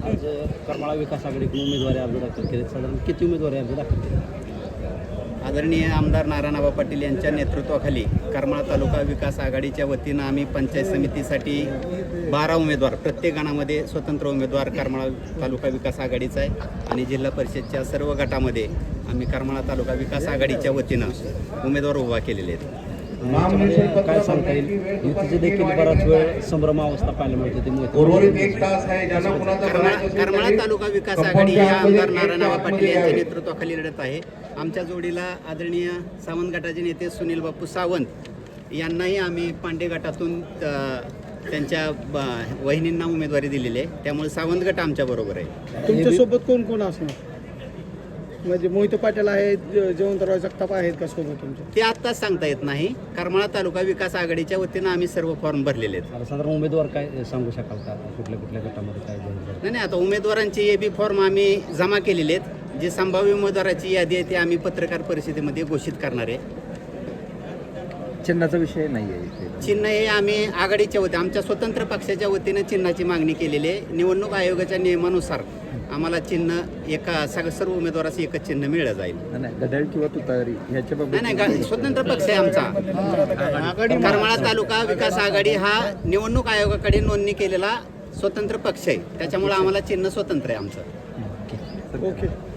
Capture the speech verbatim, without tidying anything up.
आज करमाळा विकास आघाडीकडून उमेदवारी अर्ज दाखल केले. साधारण किती उमेदवारी अर्ज दाखल केले? आदरणीय आमदार नारायणआबा पाटील यांच्या नेतृत्वाखाली करमाळा तालुका विकास आघाडीच्या वतीनं आम्ही पंचायत समितीसाठी बारा उमेदवार, प्रत्येक गणामध्ये स्वतंत्र उमेदवार करमाळा तालुका विकास आघाडीचा आहे आणि जिल्हा परिषदच्या सर्व गटामध्ये आम्ही करमाळा तालुका विकास आघाडीच्या वतीनं उमेदवार उभा केलेले आहेत. याच्यामध्ये काय सांगता येईल? युतीचे देखील बराच वेळ संभ्रम अवस्था पाहायला मिळते. करमाळा करमाळा तालुका विकास आघाडी या आमदार नारायणआबा पाटील यांच्या नेतृत्वाखाली लढत आहे. आमच्या जोडीला आदरणीय सावंत गटाचे नेते सुनील बापू सावंत यांनाही आम्ही पांडे गटातून त्यांच्या वहिनींना उमेदवारी दिलेली आहे. त्यामुळे सावंत गट आमच्या बरोबर आहे. तुमच्यासोबत कोण कोण असणार? म्हणजे मोहिते पाटील आहेत, जयवंतराव जगताप आहेत का सोबत तुमच्या? ते आत्ताच सांगता येत नाही. करमाळा तालुका विकास आघाडीच्या वतीनं आम्ही सर्व फॉर्म भरलेले आहेत. साधारण उमेदवार काय सांगू शकाल का? कुठल्या कुठल्या गटामध्ये काय जाहीर झालं? नाही नाही आता उमेदवारांची ए बी फॉर्म आम्ही जमा केलेले आहेत. जे संभाव्य उमेदवाराची यादी आहे ती आम्ही पत्रकार परिषदेमध्ये घोषित करणार आहे. चिन्हाचा विषय नाही आहे. चिन्ह हे आम्ही आघाडीच्या वतीने आमच्या स्वतंत्र पक्षाच्या वतीनं चिन्हाची मागणी केलेली आहे. निवडणूक आयोगाच्या नियमानुसार आम्हाला चिन्ह एका सगळं सर्व उमेदवाराचं एकच चिन्ह मिळलं जाईल. नाही घड्याळ किंवा तुतारी ह्याच्या नाही नाही गा- स्वतंत्र पक्ष आहे आमचा. करमाळा तालुका विकास आघाडी हा निवडणूक आयोगाकडे नोंदणी केलेला स्वतंत्र पक्ष आहे. त्याच्यामुळे आम्हाला चिन्ह स्वतंत्र आहे आमचं. ओके.